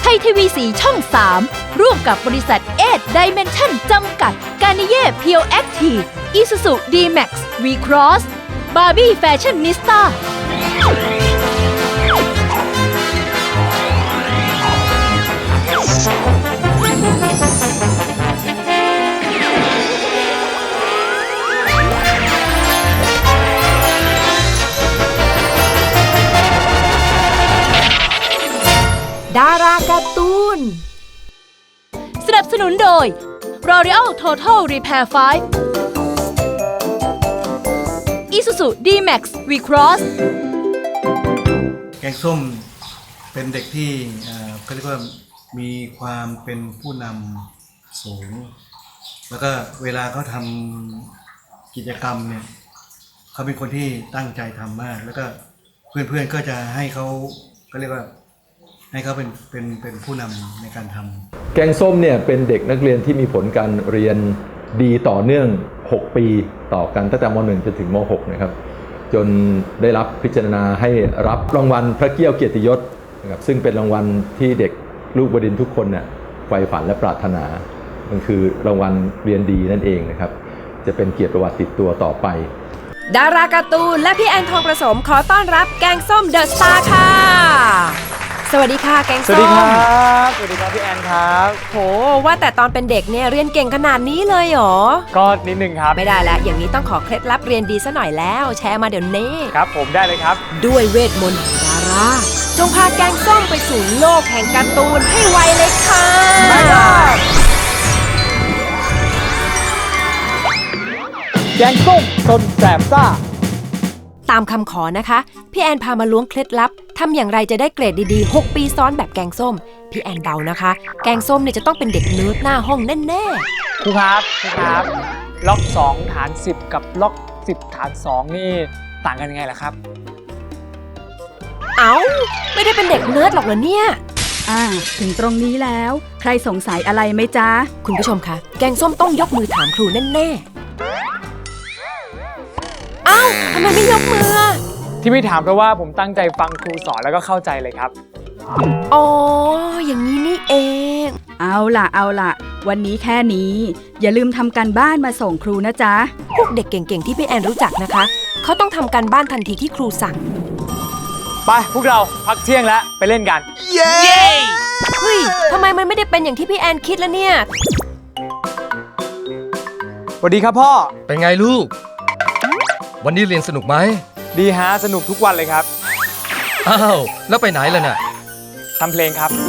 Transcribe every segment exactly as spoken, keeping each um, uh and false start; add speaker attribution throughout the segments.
Speaker 1: ยทีวีสีช่องสามร่วมกับบริษัทเอทไดเมนชั่นจำกัดกานิเย่เพียวแอคทีฟอิซูซูดีแม็กซ์วีครอสบาร์บี้แฟชั่นนิสต้าดาราการ์ตูนสนับสนุนโดย L'Oreal Total Repair ไฟว์ Isuzu D-Max V-Cross
Speaker 2: แกงส้มเป็นเด็กที่เขาเรียกว่ามีความเป็นผู้นำสูงแล้วก็เวลาเขาทำกิจกรรมเนี่ยเขาเป็นคนที่ตั้งใจทำมากแล้วก็เพื่อนๆก็จะให้เขาเขาเรียกว่าให้เขาเป็นเป็นเป็นผู้นำในการทำ
Speaker 3: แกงส้มเนี่ยเป็นเด็กนักเรียนที่มีผลการเรียนดีต่อเนื่องหกปีต่อกันตั้งแต่ม หนึ่ง จนถึงม หก นะครับจนได้รับพิจารณาให้รับรางวัลพระเกี้ยวเกียรติยศนะครับซึ่งเป็นรางวัลที่เด็กลูกบดินทร์ทุกคนเนี่ยใฝ่ฝันและปรารถนามันคือรางวัลเรียนดีนั่นเองนะครับจะเป็นเกียรติประวัติติดตัวต่อไป
Speaker 4: ดาราการ์ตูนและพี่แอนทองประสมขอต้อนรับแกงส้มเดอะสตาร์ค่ะสวัสดีค่ะแกงส้ม
Speaker 5: สวัสดีครับสวัสดีครับพี่แอนครับ
Speaker 4: โหว่าแต่ตอนเป็นเด็กเนี่ยเรียนเก่งขนาดนี้เลยเหรอ
Speaker 5: ก็นิดนึงครับ
Speaker 4: ไม่ได้แล้วอย่างนี้ต้องขอเคล็ดลับเรียนดีซะหน่อยแล้วแชร์มาเดี๋ยวนี้
Speaker 5: ครับผมได้เลยครับ
Speaker 4: ด้วยเวทมนต์ดาราจงพาแกงส้มไปสู่โลกแห่งการ์ตูนให้ไวเลยค่ะ
Speaker 5: แกงส้มสนแสบซ่า
Speaker 4: ตามคำขอนะคะพี่แอนพามาล้วงเคล็ดลับทำอย่างไรจะได้เกรดดีๆหกปีซ้อนแบบแกงส้มพี่แอนเดานะคะแกงส้มเนี่ยจะต้องเป็นเด็กเนิร์ดหน้าห้องแน่
Speaker 5: ๆครูครับครูครับล็อกสองฐานสิบกับล็อกสิบฐานสองนี่ต่างกันยังไงล่ะครับ
Speaker 4: เอ้าไม่ได้เป็นเด็กเนิร์ดหรอกเหรอเนี่ย
Speaker 1: อ่าถึงตรงนี้แล้วใครสงสัยอะไรไหมจ๊ะ
Speaker 4: คุณผู้ชมคะแกงส้มต้องยกมือถามครูแน่ๆเอ้าทำไมไม่ยกมือ
Speaker 5: ที่ไม่ถามเพราะว่าผมตั้งใจฟังครูสอนแล้วก็เข้าใจเลยครับ
Speaker 4: อ๋ออย่างนี้นี่เอง
Speaker 1: เอาล่ะเอาล่ะวันนี้แค่นี้อย่าลืมทำการบ้านมาส่งครูนะจ๊ะ
Speaker 4: พวกเด็กเก่งๆที่พี่แอนรู้จักนะคะเขาต้องทำการบ้านทันทีที่ครูสั่ง
Speaker 5: ไปพวกเราพักเที่ยงแล้วไปเล่นกัน
Speaker 4: เย้เฮ้ยทำไมมันไม่ได้เป็นอย่างที่พี่แอนคิดแล้วเนี่ย
Speaker 5: สวัสดีครับพ่อ
Speaker 6: เป็นไงลูกวันนี้เรียนสนุกไหม
Speaker 5: ดีฮะสนุกทุกวันเลยครับ
Speaker 6: อ้าวแล้วไปไหนล่ะน่ะ
Speaker 5: ทำเพลงครับ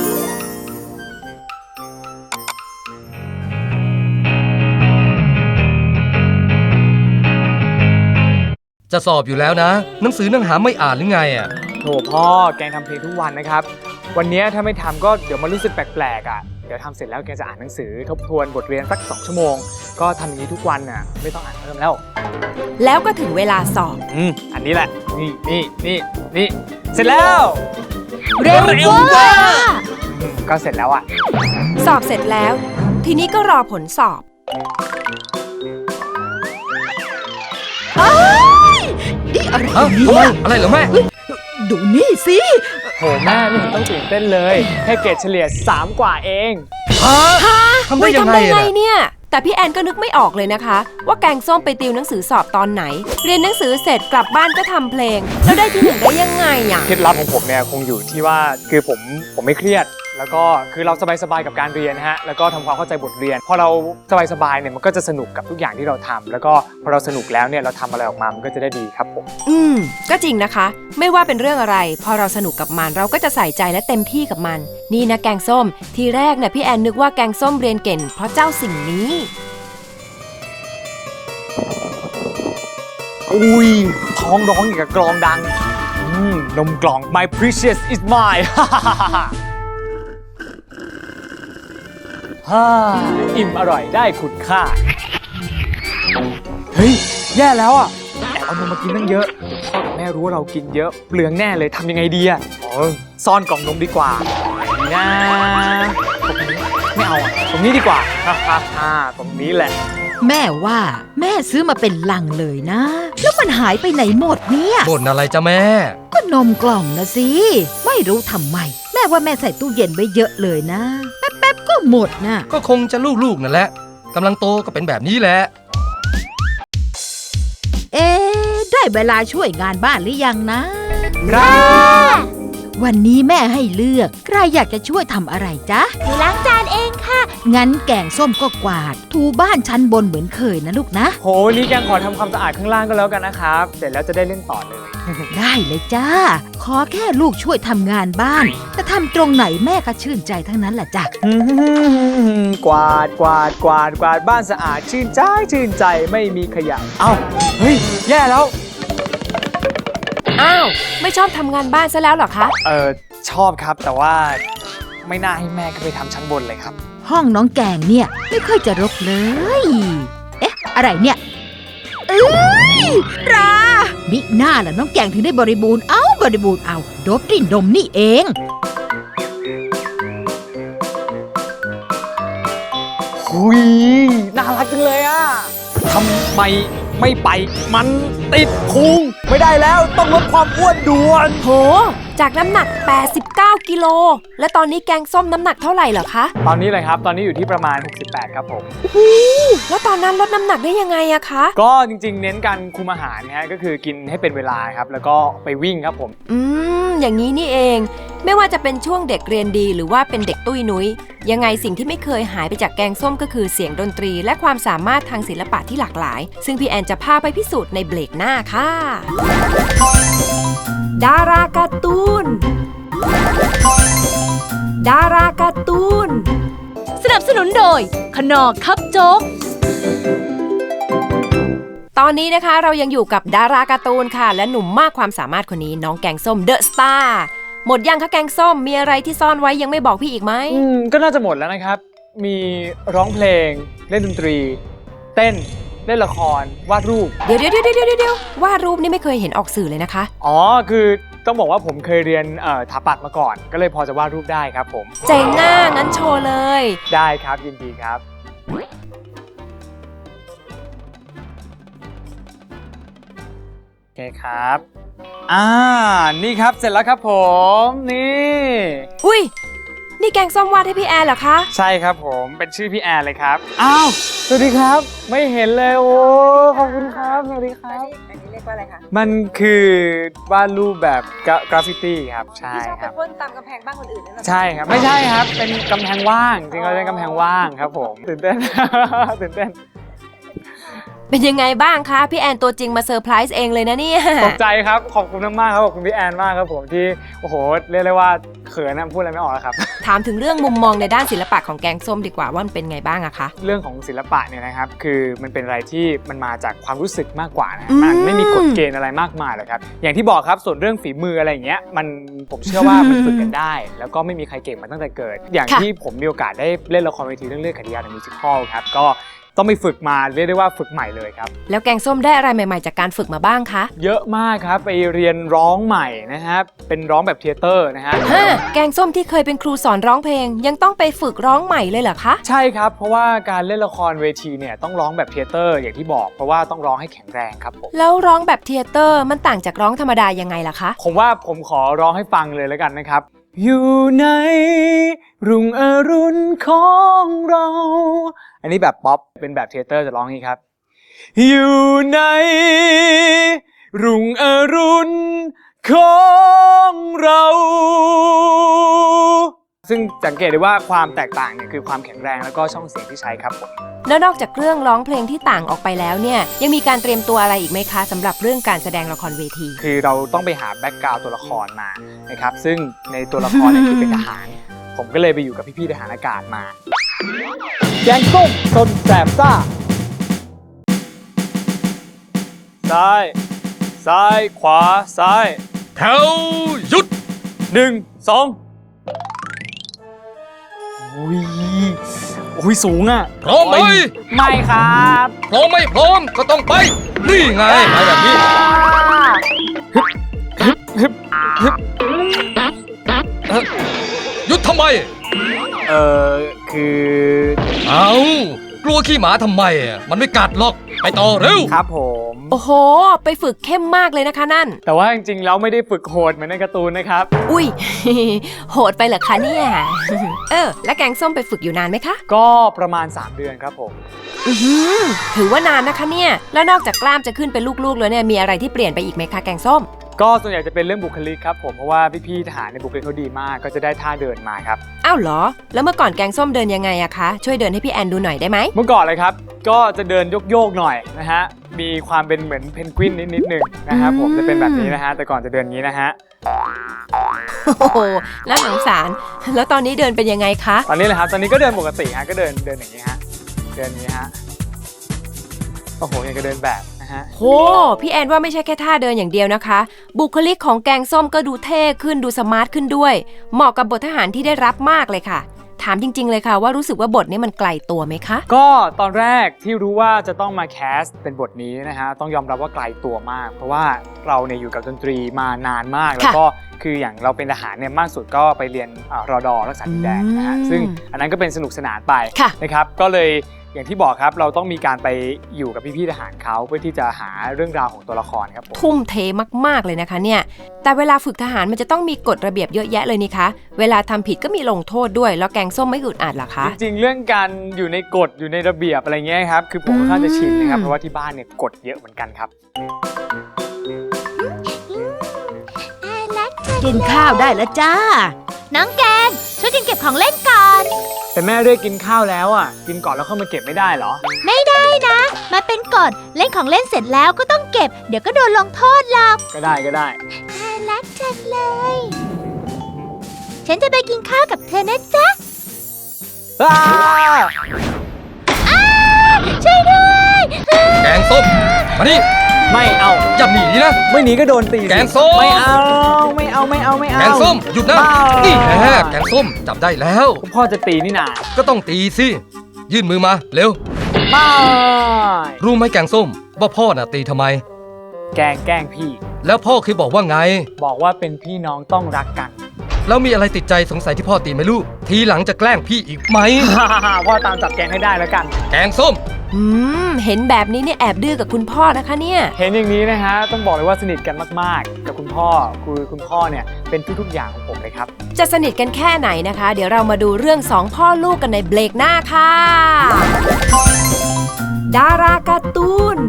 Speaker 6: จะสอบอยู่แล้วนะหนังสือหนังหาไม่อ่านหรือไงอ่ะ
Speaker 5: โถพ่อแกงทำเพลงทุกวันนะครับวันนี้ถ้าไม่ทำก็เดี๋ยวมันรู้สึกแปลกๆอ่ะเดี๋ยวทำเสร็จแล้วแกจะอ่านหนังสือทบทวนบทเรียนสักสองชั่วโมงก็ทำอย่างนี้ทุกวันน่ะไม่ต้องอ่านเพิ่มแล้ว
Speaker 4: แล้วก็ถึงเวลาสอบ
Speaker 5: อืมอันนี้แหละนี่นี่นี่นี่เสร็จแล้ว
Speaker 4: เร็วว่า
Speaker 5: ก็เสร็จแล้วอ่ะ
Speaker 4: สอบเสร็จแล้วทีนี้ก็รอผลสอบ
Speaker 1: นี่อะไร
Speaker 6: เนี่ยอะไรเหรอแม่
Speaker 1: ดูนี่สิ
Speaker 5: โหแม่ไม่เห็นต้องตื่นเต้นเลยแค่เกรดเฉลี่ยสามกว่าเอง
Speaker 6: ฮะทำได้ยังไง
Speaker 4: เนี่ยแต่พี่แอนก็นึกไม่ออกเลยนะคะว่าแกงส้มไปติวหนังสือสอบตอนไหนเรียนหนังสือเสร็จกลับบ้านก็ทำเพลงแล้วได้ที่หนึ่งได้ยังไงอ่ะ
Speaker 5: เคล็ดลับของผมเนี่ยคงอยู่ที่ว่าคือผมผมไม่เครียดแล้วก็คือเราสบายๆกับการเรียนฮะแล้วก็ทำความเข้าใจบทเรียนพอเราสบายๆเนี่ยมันก็จะสนุกกับทุกอย่างที่เราทำแล้วก็พอเราสนุกแล้วเนี่ยเราทำอะไรออกมามันก็จะได้ดีครับผม
Speaker 4: อืมก็จริงนะคะไม่ว่าเป็นเรื่องอะไรพอเราสนุกกับมันเราก็จะใส่ใจและเต็มที่กับมันนี่นะแกงส้มทีแรกเนี่ยพี่แอนนึกว่าแกงส้มเรียนเก่งเพราะเจ้าสิ่งนี้
Speaker 5: อุ้ยท้องร้องอย่างกับกลองดังอืมนมกล่อง my precious is mine ฮ่าอิ่มอร่อยได้คุณค่าเฮ้ยแย่แล้วอ่ะแอบเอานมมากินตั้งเยอะพ่อกับแม่รู้ว่าเรากินเยอะเปลืองแน่เลยทำยังไงดีอ่ะอ๋อซ่อนกล่องนมดีกว่านะตรงนี้ไม่เอาอ่ะตรงนี้ดีกว่าฮ่าฮ่าฮ่าตรงนี้แหละ
Speaker 7: แม่ว่าแม่ซื้อมาเป็นลังเลยนะแล้วมันหายไปไหนหมดเนี่ย
Speaker 6: บ่นอะไรจ้ะแม่
Speaker 7: ก็นมกล่องนะสิ ไม่รู้ทำไม แม่ว่าแม่ใส่ตู้เย็นไว้เยอะเลยนะ แป๊บๆก็หมดนะ
Speaker 6: ก็คงจะลูกๆนั่นแหละกำลังโตก็เป็นแบบนี้แหละ
Speaker 7: เอ๊ะได้เวลาช่วยงานบ้านหรือยังนะ วันนี้แม่ให้เลือกใครอยากจะช่วยทำอะไรจ๊ะ
Speaker 1: หนูล้างจานเองค่ะ
Speaker 7: งั้นแกงส้มก็กวาด ถูบ้านชั้นบนเหมือนเคยนะลูกนะ
Speaker 5: โหนี่แกงขอทำความสะอาดข้างล่างก็แล้วกันนะครับ เสร็จแล้วจะได้เล่นต่อเลย
Speaker 7: ได้เลยจ้า ขอแค่ลูกช่วยทำงานบ้านแต่ทำตรงไหนแม่ก็ชื่นใจทั้งนั้นแหละจ้ะ
Speaker 5: กวาดกวาดกวาดกวาดบ้านสะอาดชื่นใจชื่นใจไม่มีขยะ เอ้าเฮ้ยแย่แล้ว
Speaker 4: อ้าว ไม่ชอบทำงานบ้านซะแล้วเหรอคะ
Speaker 5: เออชอบครับแต่ว่าไม่น่าให้แม่ก็ไปทำชั้นบนเลยครับ
Speaker 7: ห้องน้องแกงเนี่ยไม่ค่อยจะรกเลย เอ๊ะ อะไรเนี่ย เอ้ยรามิหน้าล่ะน้องแกงถึงได้บริบูรณ์ เอาบริบูรณ์เอาโดบดินดมนี่เอง
Speaker 5: หุยน่ารักจังเลยอะทำไมไม่ไปมันติดพุงไม่ได้แล้วต้องลดความอ้วนด่วน
Speaker 4: โห จากน้ำหนัก แปดสิบเก้า กิโล และตอนนี้แกงส้มน้ำหนักเท่าไหร่เหรอคะ
Speaker 5: ตอนนี้เลยครับ ตอนนี้อยู่ที่ประมาณ หกสิบแปด ครับผม
Speaker 4: แล้วตอนนั้นลดน้ำหนักได้ยังไงอะคะ
Speaker 5: ก็จริงๆ เน้นการคุมอาหารนะฮะก็คือกินให้เป็นเวลาครับ แล้วก็ไปวิ่งครับผม
Speaker 4: อืม อย่างนี้นี่เอง ไม่ว่าจะเป็นช่วงเด็กเรียนดีหรือว่าเป็นเด็กตุ้ยนุ้ยยังไงสิ่งที่ไม่เคยหายไปจากแกงส้มก็คือเสียงดนตรี และความสามารถทางศิลปะที่หลากหลาย ซึ่งพี่แอนจะพาไปพิสูจน์ในเบรกหน้าค่ะ ดาราการ์ตูน ดาราการ์ตูน
Speaker 1: สนับสนุนโดยขนอคับโจ๊ก
Speaker 4: ตอนนี้นะคะเรายังอยู่กับดาราการ์ตูนค่ะ และหนุ่มมากความสามารถคนนี้น้องแกงส้มเดอะสตาร์หมดยังคะแกงส้มมีอะไรที่ซ่อนไว้ยังไม่บอกพี่อีกไหม
Speaker 5: อืมก็น่าจะหมดแล้วนะครับ มีร้องเพลง เล่นดนตรี เต้น เล่นละคร วาดรูป
Speaker 4: เดี๋ยวเดี๋ยวเดี๋ยวเดี๋ยวเดี๋ยววาดรูปนี่ไม่เคยเห็นออกสื่อเลยนะคะ
Speaker 5: อ๋อ คือต้องบอกว่าผมเคยเรียนเอ่อถาปัดมาก่อน ก็เลยพอจะวาดรูปได้ครับผม
Speaker 4: เจ๋งอ่ะงั้นโชว์เลย
Speaker 5: ได้ครับยินดีครับ โอเคครับ อ่า นี่ครับเสร็จแล้วครับผม นี่
Speaker 4: อุ้ยนี่แกงส้มวาดให้พี่แอนเหรอคะ
Speaker 5: ใช่ครับผมเป็นชื่อพี่แอนเลยครับ อ้าวสวัสดีครับ ไม่เห็นเลยโอ้ขอบคุณครับสวัสดีครับอันนี้เรียกว่าอะไรคะมันคือวาดรูปแบบกราฟฟิตี้ครับใช่ครับ
Speaker 8: พ่นตามกำแพงบ้านคนอื่นนั่นแหละ
Speaker 5: ใช่ครับไม่ใช่ครับเป็นกำแพงว่างจริงๆเราเป็นกำแพงว่างครับผมตื่นเต้น ตื่นเต้น
Speaker 4: เป็นยังไงบ้างคะพี่แอนตัวจริงมาเซอร์ไพรส์เองเลยนะเนี่ย
Speaker 5: ตกใจครับขอบคุณมากๆครับขอบคุณพี่แอนมากครับผมที่โอ้โหเรียกได้ว่าเขินนะพูดอะไรไม่ออกแล้วครับ
Speaker 4: ถามถึงเรื่องมุมมองในด้านศิลปะของแกงส้มดีกว่าว่ามันเป็นไงบ้างอะคะ
Speaker 5: เรื่องของศิลปะเนี่ยนะครับคือมันเป็นอะไรที่มันมาจากความรู้สึกมากกว่านะ
Speaker 4: อืม
Speaker 5: มันไม่มีกฎเกณฑ์อะไรมากมายหรอกครับอย่างที่บอกครับส่วนเรื่องฝีมืออะไรอย่างเงี้ยมันผมเชื่อว่ามันฝึกกันได้ แล้วก็ไม่มีใครเก่งมาตั้งแต่เกิด อย่างที่ผมมีโอกาสได้เล่นละครเวทีเรื่องเลือดขัดยาในมิวสิคอลครับก็ต้องไปฝึกมาเรียกได้ว่าฝึกใหม่เลยครับ
Speaker 4: แล้วแกงส้มได้อะไรใหม่ๆจากการฝึกมาบ้างคะ
Speaker 5: เยอะมากครับไปเรียนร้องใหม่นะครับเป็นร้องแบบเทเตอร์นะฮะ
Speaker 4: ฮะแกงส้มที่เคยเป็นครูสอนร้องเพลง ยังต้องไปฝึกร้องใหม่เลยเหรอคะ
Speaker 5: ใช่ครับเพราะว่าการเล่นละครเวทีเนี่ยต้องร้องแบบเทเตอร์อย่างที่บอกเพราะว่าต้องร้องให้แข็งแรงครับผม
Speaker 4: แล้วร้องแบบเทเตอร์มันต่างจากร้องธรรมดายังไงล่ะคะ
Speaker 5: ผมว่าผมขอร้องให้ฟังเลยแล้วกันนะครับอยู่ในรุ่งอรุณของเรา อันนี้แบบป๊อปเป็นแบบเทเตอร์จะร้องอย่างนี้ครับอยู่ในรุ่งอรุณของเรา ซึ่งสังเกตได้ว่าความแตกต่างเนี่ยคือความแข็งแรงแล้วก็ช่องเสียงที่ใช้ครับผม
Speaker 4: แล้วนอกจากเรื่องร้องเพลงที่ต่างออกไปแล้วเนี่ยยังมีการเตรียมตัวอะไรอีกไหมคะสำหรับเรื่องการแสดงละครเวที
Speaker 5: คือเราต้องไปหาแบ็กกราวด์ตัวละครมานะครับซึ่งในตัวละครเนี่ยคือเป็นทหาร ผมก็เลยไปอยู่กับพี่ๆทหารอากาศมาแกงส้มซนแสบซ่าซ้ายซ้ายขวาซ้ายแถวหยุดหนึ่งสองโอ้ยโอ้ยสูงอ่ะ
Speaker 6: พร้อมไหม
Speaker 5: ไม่ครับ
Speaker 6: พร้อมไม่พร้อมก็ต้องไป นี่ไงไปแบบนี้เอ่อหยุดทำไม
Speaker 5: เออคือ
Speaker 6: เอากลัวขี้หมาทำไมอ่ะมันไม่กัดหรอกไปต่อเร็ว
Speaker 5: ครับผม
Speaker 4: โอ้โห ไปฝึกเข้มมากเลยนะคะนั่น
Speaker 5: แต่ว่าจริงๆแล้วไม่ได้ฝึกโหดเหมือนในการ์ตูนนะครับ
Speaker 4: อุ้ย โหดไปเหรอคะเนี่ย เออ แล้วแกงส้มไปฝึกอยู่นานไหมคะ
Speaker 5: ก็ประมาณสามเดือนครับผม
Speaker 4: อือหือถือว่านานนะคะเนี่ย แล้วนอกจากกล้ามจะขึ้นเป็นลูกๆแล้วเนี่ยมีอะไรที่เปลี่ยนไปอีกไหมคะแกงส้ม
Speaker 5: ก็ส่วนใหญ่จะเป็นเรื่องบุคลิกครับผมเพราะว่าพี่ๆทหารในบุคลิกเขาดีมากก็จะได้ท่าเดินมาครับ
Speaker 4: อ้าวเหรอ แล้วเมื่อก่อนแกงส้มเดินยังไงอะคะ ช่วยเดินให้พี่แอนดูหน่อยได้ไหม
Speaker 5: เมื่อก่อนเลยครับก็จะเดินโยกๆหน่อยนะฮะมีความเป็นเหมือนเพนกวินนิดๆนึงนะครับผมจะเป็นแบบนี้นะฮะแต่ก่อนจะเดินอย่างนี้นะฮะ
Speaker 4: โอ้โหน่าสงสาร แล้วตอนนี้เดินเป็นยังไงคะ
Speaker 5: ตอนนี้เลยครับตอนนี้ก็เดินปกติฮะก็เดินเดินอย่างนี้ฮะเดินอย่างนี้ฮะโอ้โหยังก็เดินแบบนะฮะ
Speaker 4: โห พี่แอนว่าไม่ใช่แค่ท่าเดินอย่างเดียวนะคะ บุคลิกของแกงส้มก็ดูเท่ขึ้นดูสมาร์ทขึ้นด้วย เหมาะกับบททหารที่ได้รับมากเลยค่ะ ถามจริง ๆเลยค่ะว่ารู้สึกว่าบทนี้มันไกลตัวไหมคะ
Speaker 5: ก็ตอนแรกที่รู้ว่าจะต้องมาแคสเป็นบทนี้นะฮะต้องยอมรับว่าไกลตัวมาก เพราะว่าเราเนี่ยอยู่กับดนตรีมานานมากแล้วก็คืออย่างเราเป็นทหารเนี่ยมากสุดก็ไปเรียนอ่ารอดอรักษาดินแดนนะฮะซึ่งอันนั้นก็เป็นสนุกสนานไปนะครับก็เลยอย่างที่บอกครับเราต้องมีการไปอยู่กับพี่ๆทหารเขาเพื่อที่จะหาเรื่องราวของตัวละครครับผม
Speaker 4: ทุ่มเทมากๆเลยนะคะเนี่ย แต่เวลาฝึกทหารมันจะต้องมีกฎระเบียบเยอะแยะเลยนี่คะ เวลาทำผิดก็มีลงโทษด้วยแล้วแกงส้มไม่อึดอัดเหรอคะ
Speaker 5: จริงๆเรื่องการอยู่ในกฎอยู่ในระเบียบอะไรเงี้ยครับคือผมค่อนข้างจะชินนะครับเพราะว่าที่บ้านเนี่ยกฎเยอะเหมือนกันครับ
Speaker 7: กินข้าวได้แล้วจ้า
Speaker 1: น้องแกงช่วยกันเก็บของเล่นก่อน
Speaker 5: แต่แม่เรียกกินข้าวแล้วอ่ะกินก่อนแล้วเข้ามาเก็บไม่ได้เหรอ
Speaker 1: ไม่ได้นะ มาเป็นกฎเล่นของเล่นเสร็จแล้วก็ต้องเก็บ เดี๋ยวก็โดนลงโทษหรอก
Speaker 5: ก็ได้ก็ได้
Speaker 1: น่ารักจังเลย ฉันจะไปกินข้าวกับเธอนะจ๊ะ
Speaker 5: อ้า
Speaker 1: ช่วยด้วย
Speaker 6: แกงส้มมานี่
Speaker 5: ไม่เอา
Speaker 6: อย่าหนีนะ
Speaker 5: ไม่หนีก็โดนตีสิ
Speaker 6: แกงส้ม
Speaker 5: ไม่เอาไม่เอาไม่เอาไม่เอา
Speaker 6: แกงส้มหยุดนะ
Speaker 5: บ้า
Speaker 6: นี่แหละแกงส้มจับได้แล้ว
Speaker 5: พ่อจะตีนี่นา
Speaker 6: ก็ต้องตีสิยื่นมือมาเร็ว
Speaker 5: ไม่
Speaker 6: รู้ไหมแกงส้มว่าพ่อน่ะตีทำไม
Speaker 5: แกล้งแกล้งพี่
Speaker 6: แล้วพ่อเคยบอกว่าไง
Speaker 5: บอกว่าเป็นพี่น้องต้องรักกัน
Speaker 6: แล้วมีอะไรติดใจสงสัยที่พ่อตีไหมลูกทีหลังจะแกล้งพี่อีกไหม
Speaker 5: พ่อตามจับแกงให้ได้แล้วกัน
Speaker 6: แกงส้ม
Speaker 4: อืม เห็นแบบนี้เนี่ยแอบดื้อกับคุณพ่อนะคะเนี่ย
Speaker 5: เห็นอย่างนี้นะฮะต้องบอกเลยว่าสนิทกันมากๆ กับคุณพ่อคือคุณพ่อเนี่ยเป็นทุกๆอย่างของผมเลยครับ
Speaker 4: จะสนิทกันแค่ไหนนะคะ เดี๋ยวเรามาดูเรื่องสองพ่อลูกกันในเบรกหน้าค่ะ ดาราการ์ตูน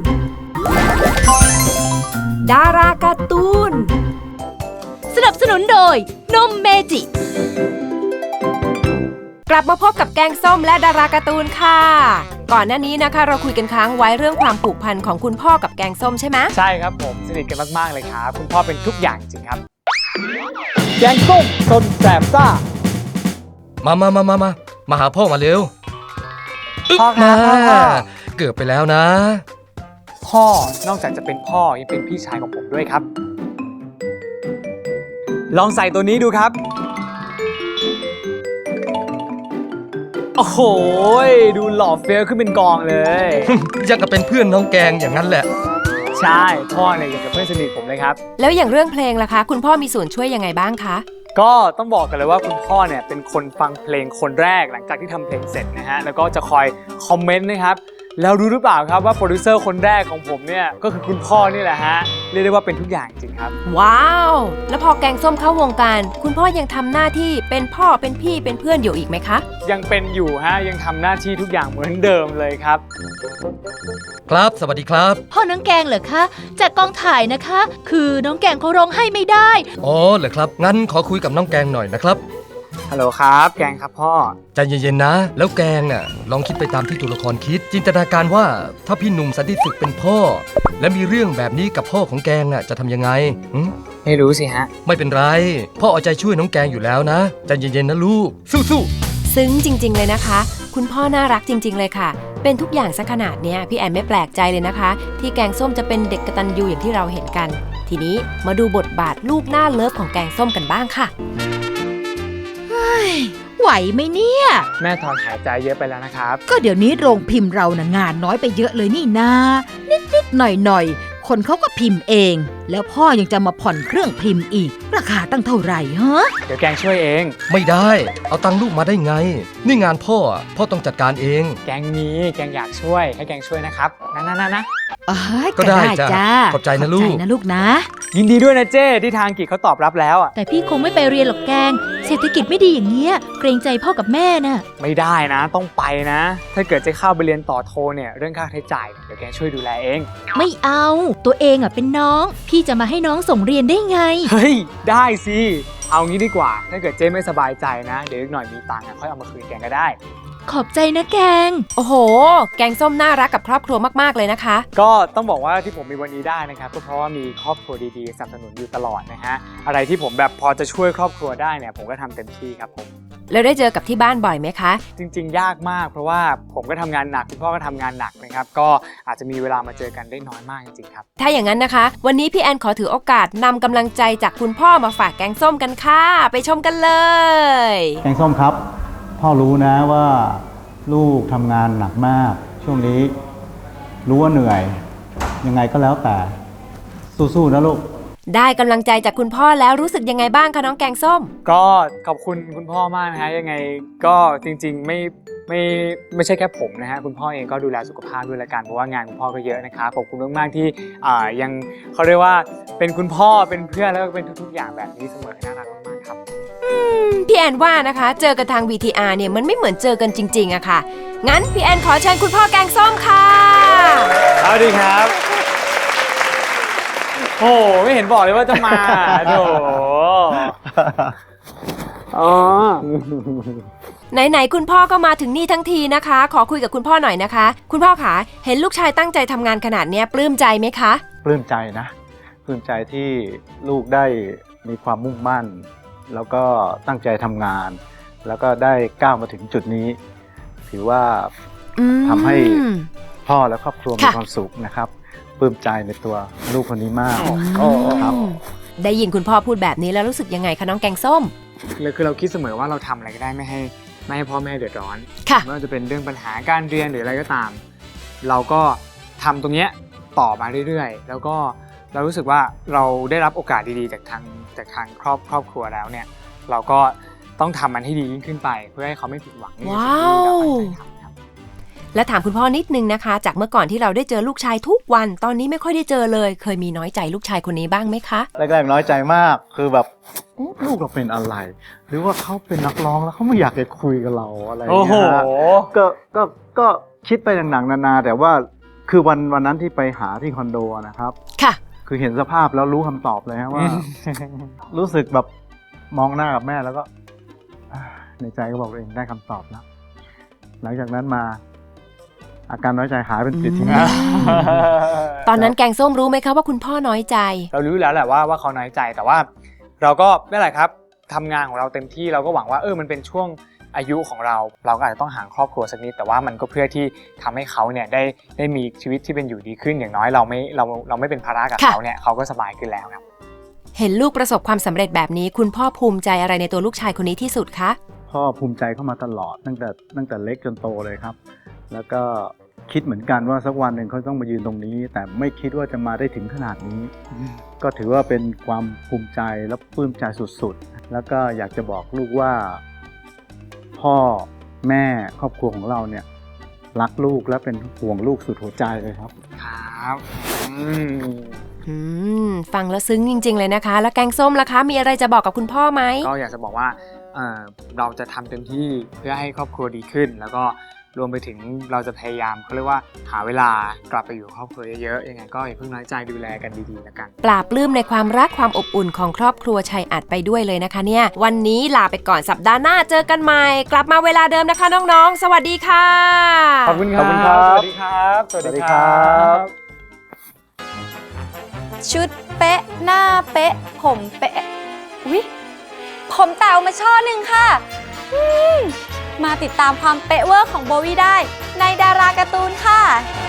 Speaker 4: ดาราการ์ตูน
Speaker 1: สนับสนุนโดยนมเมจิ
Speaker 4: กลับมาพบกับแกงส้มและดาราการ์ตูนค่ะ ก่อนหน้านี้นะคะเราคุยกันค้างไว้เรื่องความผูกพันของคุณพ่อกับแกงส้มใช่ไหม
Speaker 5: ใช่ครับผมสนิทกันมากๆเลยครับคุณพ่อเป็นทุกอย่างจริงครับแกงส้มสนแสบซ่า
Speaker 6: มามามามามามาหาพ่อมาเร็ว
Speaker 5: พ่อครับพ่อครับ
Speaker 6: เกือบไปแล้วนะ
Speaker 5: พ่อนอกจากจะเป็นพ่อยังเป็นพี่ชายของผมด้วยครับ ลองใส่ตัวนี้ดูครับโอ้โหดูหล่อเฟี้ยวขึ้นเป็นกองเลย
Speaker 6: ยังกับเป็นเพื่อนน้องแกงอย่างนั้นแหละ
Speaker 5: ใช่พ่อเนี่ยอย่างกับเพื่อนสนิทผมเลยครับ
Speaker 4: แล้วอย่างเรื่องเพลงล่ะคะ คุณพ่อมีส่วนช่วยยังไงบ้างคะ
Speaker 5: ก็ต้องบอกกันเลยว่าคุณพ่อเนี่ยเป็นคนฟังเพลงคนแรกหลังจากที่ทำเพลงเสร็จนะฮะแล้วก็จะคอยคอมเมนต์นะครับแล้วรู้หรือเปล่าครับว่าโปรดิวเซอร์คนแรกของผมเนี่ยก็คือคุณพ่อนี่แหละฮะเรียกได้ว่าเป็นทุกอย่างจริงครับ
Speaker 4: ว้าว แล้วพอแกงส้มเข้าวงการ คุณพ่อยังทำหน้าที่เป็นพ่อเป็นพี่เป็นเพื่อนอยู่อีกไหมคะ
Speaker 5: ยังเป็นอยู่ฮะยังทำหน้าที่ทุกอย่างเหมือนเดิมเลยครับ
Speaker 6: ครับสวัสดีครับ
Speaker 1: พ่อน้องแกงเหรอคะ จากกองถ่ายนะคะ คือน้องแกงเขาร้องให้ไม่ได้
Speaker 6: อ๋อเหรอครับงั้นขอคุยกับน้องแกงหน่อยนะครับ
Speaker 5: ฮัลโหลครับแกงครับพ่อ
Speaker 6: ใจเย็นๆนะ แล้วแกงน่ะลองคิดไปตามที่ตัวละครคิด จินตนาการว่าถ้าพี่หนุ่มสันติสุขเป็นพ่อ และมีเรื่องแบบนี้กับพ่อของแกงน่ะจะทำยังไงหึ
Speaker 5: ไม่รู้สิฮะ
Speaker 6: ไม่เป็นไรพ่อเอาใจช่วยน้องแกงอยู่แล้วนะใจเย็นๆนะลูกสู้
Speaker 4: ซึ้งจริงๆเลยนะคะ คุณพ่อน่ารักจริงๆเลยค่ะ เป็นทุกอย่างซะขนาดเนี้ยพี่แอนไม่แปลกใจเลยนะคะ ที่แกงส้มจะเป็นเด็กกตัญญูอย่างที่เราเห็นกัน ทีนี้มาดูบทบาทลูกหน้าเลิฟของแกงส้มกันบ้างค่ะ
Speaker 7: ไหวไหมเนี่ย
Speaker 5: แม่ถอนหายใจเยอะไปแล้วนะครับ
Speaker 7: ก็เดี๋ยวนี้โรงพิมพ์เรานะงานน้อยไปเยอะเลยนี่นานิดๆหน่อยๆคนเขาก็พิมพ์เอง แล้วพ่อยังจะมาผ่อนเครื่องพิมพ์อีก ราคาตั้งเท่าไหร่ฮะ
Speaker 5: เดี๋ยวแกงช่วยเอง
Speaker 6: ไม่ได้ เอาตังค์ลูกมาได้ไง นี่งานพ่ออะพ่อต้องจัดการเอง
Speaker 5: แกงมีแกงอยากช่วยให้แกงช่วยนะครับนะนะนะนะ
Speaker 7: อ๋อ
Speaker 6: ก็ได้จ้ะ
Speaker 7: จ้า
Speaker 6: ขอบใจนะลูก
Speaker 7: ขอบใจนะลูกนะ
Speaker 5: ยินดีด้วยนะเจ้ที่ทางกิจเขาตอบรับแล้วอ่ะ
Speaker 1: แต่พี่คงไม่ไปเรียนหรอกแกง เศรษฐกิจไม่ดีอย่างเงี้ย เกรงใจพ่อกับแม่น่ะ
Speaker 5: ไม่ได้นะต้องไปนะ ถ้าเกิดจะเข้าไปเรียนต่อโทเนี่ยเรื่องค่าใช้จ่ายเดี๋ยวแกช่วยดูแลเอง
Speaker 1: ไม่เอา ตัวเองอ่ะเป็นน้อง พี่จะมาให้น้องส่งเรียนได้ไง
Speaker 5: เฮ้ยได้สิเอางี้ดีกว่า ถ้าเกิดเจ้ไม่สบายใจนะ เดี๋ยวอีกหน่อยมีตังค์อะค่อยเอามาคืนแกก็ได้
Speaker 1: ขอบใจนะแกง
Speaker 4: โอ้โห แกงส้มน่ารักกับครอบครัวมากๆเลยนะคะ
Speaker 5: ก็ต้องบอกว่าที่ผมมีวันนี้ได้นะครับก็เพราะว่ามีครอบครัวดีๆสนับสนุนอยู่ตลอดนะฮะอะไรที่ผมแบบพอจะช่วยครอบครัวได้เนี่ยผมก็ทำเต็มที่ครับผม
Speaker 4: แล้วได้เจอกับที่บ้านบ่อยไหมคะ
Speaker 5: จริงๆ ยากมากเพราะว่าผมก็ทำงานหนักคุณพ่อก็ทำงานหนักนะครับก็อาจจะมีเวลามาเจอกันได้น้อยมากจริงๆครับ
Speaker 4: ถ้าอย่างนั้นนะคะ วันนี้พี่แอนขอถือโอกาสนำกำลังใจจากคุณพ่อมาฝากแกงส้มกันค่ะ ไปชมกันเลย
Speaker 8: แกงส้มครับ พ่อรู้นะว่าลูกทำงานหนักมาก ช่วงนี้รู้ว่าเหนื่อย ยังไงก็แล้วแต่สู้ๆนะลูก
Speaker 4: ได้กำลังใจจากคุณพ่อแล้วรู้สึกยังไงบ้างคะน้องแกงส้ม
Speaker 5: ก็ขอบคุณคุณพ่อมากนะฮะยังไงก็จริงๆไม่ไม่ไม่ใช่แค่ผมนะฮะคุณพ่อเองก็ดูแลสุขภาพด้วยละกันเพราะว่างานคุณพ่อก็เยอะนะครับขอบคุณมากๆที่อ่ายังเขาเรียกว่าเป็นคุณพ่อเป็นเพื่อนแล้วก็เป็นทุกๆอย่างแบบนี้เสมอน่ารักมากๆครับ
Speaker 4: พี่แอนว่านะคะเจอกันทาง วี ที อาร์ เนี่ยมันไม่เหมือนเจอกันจริงๆอะค่ะ งั้นพี่แอนขอเชิญคุณพ่อแกงส้มค่ะ
Speaker 5: สวัสดีครับโอ้ไม่เห็นบอกเลยว่าจะมาโถอ๋อ
Speaker 4: ไหนๆคุณพ่อก็มาถึงนี่ทั้งทีนะคะ ขอคุยกับคุณพ่อหน่อยนะคะ คุณพ่อคะเห็นลูกชายตั้งใจทำงานขนาดเนี้ยปลื้มใจไหมคะ
Speaker 8: ปลื้มใจนะปลื้มใจที่ลูกได้มีความมุ่งมั่น แล้วก็ตั้งใจทำงาน แล้วก็ได้ก้าวมาถึงจุดนี้ ถือว่า
Speaker 4: อืม
Speaker 8: ทำให้พ่อและครอบครัวมี
Speaker 4: ค่ะ
Speaker 8: ความสุขนะครับปลื้มใจในตัวลูกคนนี้มาก
Speaker 4: อืม
Speaker 8: ครับ
Speaker 4: ได้ยินคุณพ่อพูดแบบนี้แล้วรู้สึกยังไงคะน้องแกงส้ม
Speaker 5: เลยคือเราคิดเสมอว่าเราทำอะไรก็ได้ไม่ให้ไม่ให้พ่อแม่เดือดร้อน
Speaker 4: ค่ะ
Speaker 5: ไม่ว่าจะเป็นเรื่องปัญหาการเรียนหรืออะไรก็ตาม เราก็ทำตรงเนี้ยต่อมาเรื่อยๆ แล้วก็เรารู้สึกว่าเราได้รับโอกาสดีๆจากทางจากทางครอบครอบครัวแล้วเนี่ยเราก็ต้องทำมันให้ดียิ่งขึ้นไป เพื่อให้เขาไม่ผิดหวังในสิ่งที่เราตั้งใจทำครับ
Speaker 4: และถามคุณพ่อนิดนึงนะคะ จากเมื่อก่อนที่เราได้เจอลูกชายทุกวันตอนนี้ไม่ค่อยได้เจอเลย เคยมีน้อยใจลูกชายคนนี้บ้างไหมคะ
Speaker 8: แรกๆน้อยใจมากคือแบบเอ๊ะลูกเราเป็นอะไร หรือว่าเขาเป็นนักร้องแล้วเขาไม่อยากจะคุยกับเราอะไรอย่าง
Speaker 5: โอ้โห
Speaker 8: เงี้ยก็ก็ก็คิดไปหนังๆนานาแต่ว่าคือวันวันนั้นที่ไปหาที่คอนโดนะครับ
Speaker 4: ค่ะ
Speaker 8: คือเห็นสภาพแล้วรู้คำตอบเลยฮะว่า รู้สึกแบบมองหน้ากับแม่แล้วก็อ่าในใจก็บอกตัวเองได้คำตอบแล้ว หลังจากนั้นมา อาการน้อยใจหายเป็นปลิดทิ้ง
Speaker 4: ตอนนั้นแกงส้มรู้ไหมคะว่าคุณพ่อน้อยใจ
Speaker 5: เรารู้แล้วแหละว่าว่าเขาน้อยใจแต่ว่าเราก็ไม่เป็นไรครับทำงานของเราเต็มที่เราก็หวังว่าเออมันเป็นช่วงอายุของเรา เราก็อาจจะต้องห่างครอบครัวสักนิดแต่ว่ามันก็เพื่อที่ทำให้เขาเนี่ยได้ได้มีชีวิตที่เป็นอยู่ดีขึ้นอย่างน้อยเราไม่เราเราไม่เป็นภาระกับ
Speaker 4: ค่ะ
Speaker 5: เขาเนี่ยเขาก็สบายขึ้นแล้วครับ
Speaker 4: เห็นลูกประสบความสำเร็จแบบนี้ คุณพ่อภูมิใจอะไรในตัวลูกชายคนนี้ที่สุดคะ
Speaker 8: พ่อภูมิใจเข้ามาตลอดตั้งแต่ตั้งแต่เล็กจนโตเลยครับ แล้วก็คิดเหมือนกันว่าสักวันหนึ่งเขาต้องมายืนตรงนี้ แต่ไม่คิดว่าจะมาได้ถึงขนาดนี้ ก็ถือว่าเป็นความภูมิใจและปลื้มใจสุดๆ แล้วก็อยากจะบอกลูกว่า พ่อแม่ครอบครัวของเราเนี่ยรักลูกและเป็นห่วงลูกสุดหัวใจเลยครับ
Speaker 5: ครับอืม
Speaker 4: อืมฟังแล้วซึ้งจริงๆเลยนะคะ แล้วแกงส้มล่ะคะ มีอะไรจะบอกกับคุณพ่อไหม
Speaker 5: ก็อยากจะบอกว่าเอ่อเราจะทำเต็มที่เพื่อให้ครอบครัวดีขึ้น แล้วก็รวมไปถึงเราจะพยายามเขาเรียกว่าหาเวลากลับไปอยู่กับครอบครัวเยอะๆยังไงก็อย่าเพิ่งน้อยใจดูแลกันดีๆแล้วกัน
Speaker 4: ปราบปลื้มในความรักความอบอุ่นของครอบครัวชัยอัดไปด้วยเลยนะคะเนี่ย วันนี้ลาไปก่อนสัปดาห์หน้าเจอกันใหม่ กลับมาเวลาเดิมนะคะน้องๆ สวัสดีค่ะ
Speaker 5: ขอบคุณครับ
Speaker 8: ขอบคุณครับ
Speaker 5: สวัสดีครับ
Speaker 8: สวัสดีครับ
Speaker 9: ชุดเป๊ะหน้าเป๊ะ ผมเป๊ะวิผมเต่ามาช่อหนึ่งค่ะอืมมาติดตามความเป๊ะเวอร์ของโบวี่ได้ในดาราการ์ตูนค่ะ